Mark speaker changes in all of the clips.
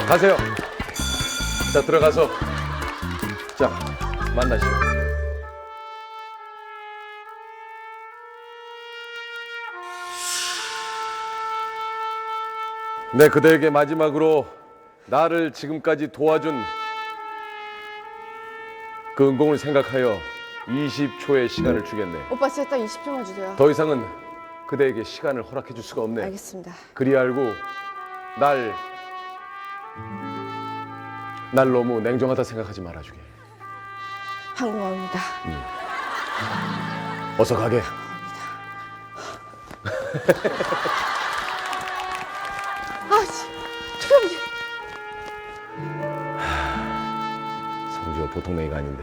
Speaker 1: 가세요. 자, 들어가서 자, 만나시죠. 네, 그대에게 마지막으로 나를 지금까지 도와준 그 은공을 생각하여 20초의 시간을 주겠네.
Speaker 2: 오빠 진짜 딱 20초만 주세요.
Speaker 1: 더 이상은 그대에게 시간을 허락해 줄 수가 없네.
Speaker 2: 알겠습니다.
Speaker 1: 그리 알고 날 너무 냉정하다 생각하지 말아주게.
Speaker 2: 항공합니다.
Speaker 1: 어서 가게.
Speaker 2: 초영지.
Speaker 1: 성지가 보통 내가 아닌데.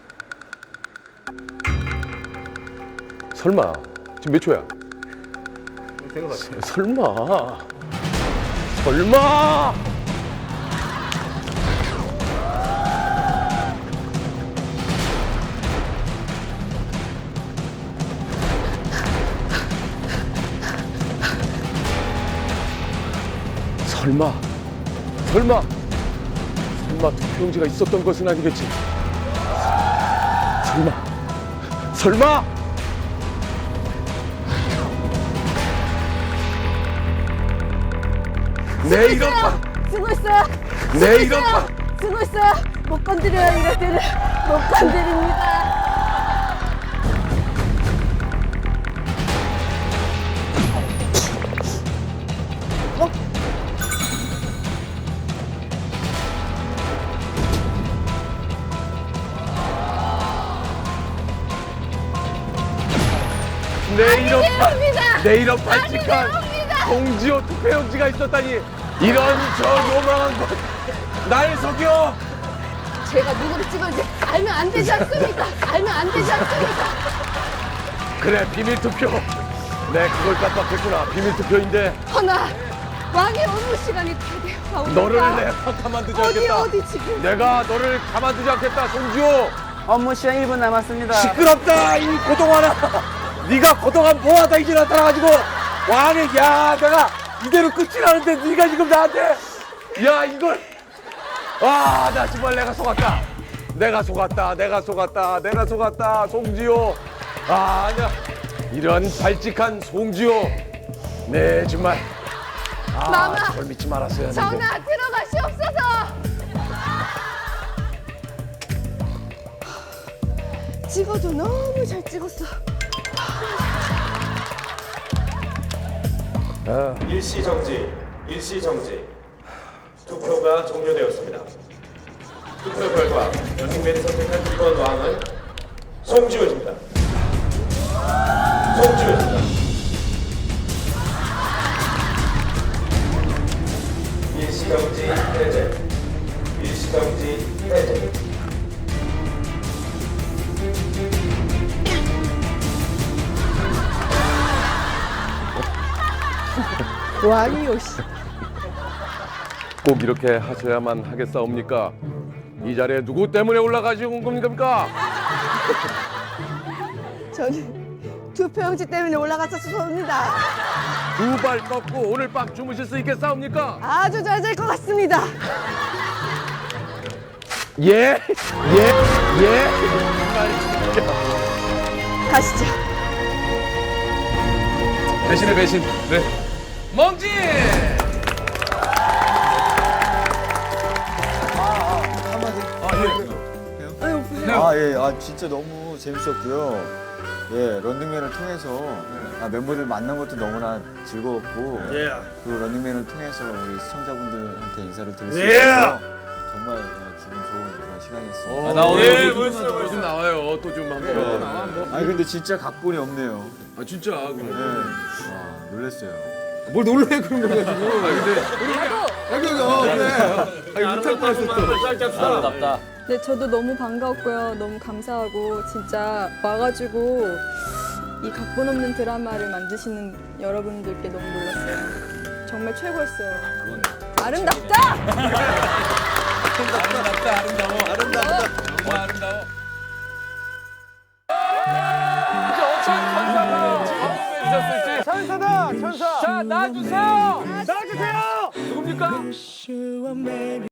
Speaker 1: 설마 지금 몇 초야? 설마. 설마 투표용지가 있었던 것은 아니겠지? 설마 내 이런
Speaker 2: 쓰고 있어요.
Speaker 1: 내 이런
Speaker 2: 쓰고 있어요. 못 건드려요. 이럴 때는 못 건드립니다.
Speaker 1: 내 이런 발칙한 공지호 투표용지가 있었다니. 이런 저 요망한 것 날 속여.
Speaker 2: 제가 누구를 찍었는지 알면 안 되지 않습니까? 알면 안 되지 않습니까?
Speaker 1: 그래, 비밀 투표. 네, 그걸 깜빡했구나. 비밀 투표인데
Speaker 2: 허나 왕의 업무 시간이 다 되어
Speaker 1: 너를 내가 가만두지 않겠다.
Speaker 2: 어디 지금?
Speaker 1: 내가 너를 가만두지 않겠다, 송지호.
Speaker 3: 업무 시간 1분 남았습니다.
Speaker 1: 시끄럽다, 이 고동하나. 네가 고동한 뭐하다 이제 나타나가지고 왕의, 야, 내가 이대로 끝이 나는데 네가 지금 나한테, 야, 이걸, 아, 나 정말 내가 속았다, 송지호. 아, 아니야, 이런 발칙한 송지호. 네, 정말. 아,
Speaker 2: 마마,
Speaker 1: 그걸 믿지 말았어야 했는데.
Speaker 2: 전하 들어가시옵소서. 찍어도 너무 잘 찍었어.
Speaker 4: 일시정지. 투표가 종료되었습니다. 투표 결과 런닝맨이 선택한 2번 왕은 송지효입니다. 일시정지 해제.
Speaker 2: 왕이요 씨.
Speaker 1: 꼭 이렇게 하셔야만 하겠사옵니까? 이 자리에 누구 때문에 올라가시고 온 겁니까?
Speaker 2: 저는 투표용지 때문에 올라갔었습니다.
Speaker 1: 두 발 뻗고 오늘 밤 주무실 수 있겠사옵니까?
Speaker 2: 아주 잘 될 것 같습니다.
Speaker 1: 예?
Speaker 2: 가시죠.
Speaker 1: 배신의 배신. 네. 멍지!
Speaker 5: 진짜 너무 재밌었고요. 예, 런닝맨을 통해서 멤버들 만난 것도 너무나 즐거웠고, 그 런닝맨을 통해서 우리 시청자분들한테 인사를 드릴 수 있어서 정말 기분 좋은 그런 시간이었습니다.
Speaker 1: 나 오늘 좀 나와요. 또 좀 한번.
Speaker 5: 아니 근데 진짜 각본이 없네요.
Speaker 1: 아, 진짜.
Speaker 5: 네. 와, 놀랐어요.
Speaker 1: 뭘 놀래 그런 거 가지고. 그래. 못할 뻔했어 또.
Speaker 3: 아름답다.
Speaker 6: 네, 저도 너무 반가웠고요. 너무 감사하고 진짜 와가지고 이 각본 없는 드라마를 만드시는 여러분들께 너무 놀랐어요. 정말 최고였어요. 아름답다!
Speaker 1: 천사! 자, 나와주세요! 해볼까?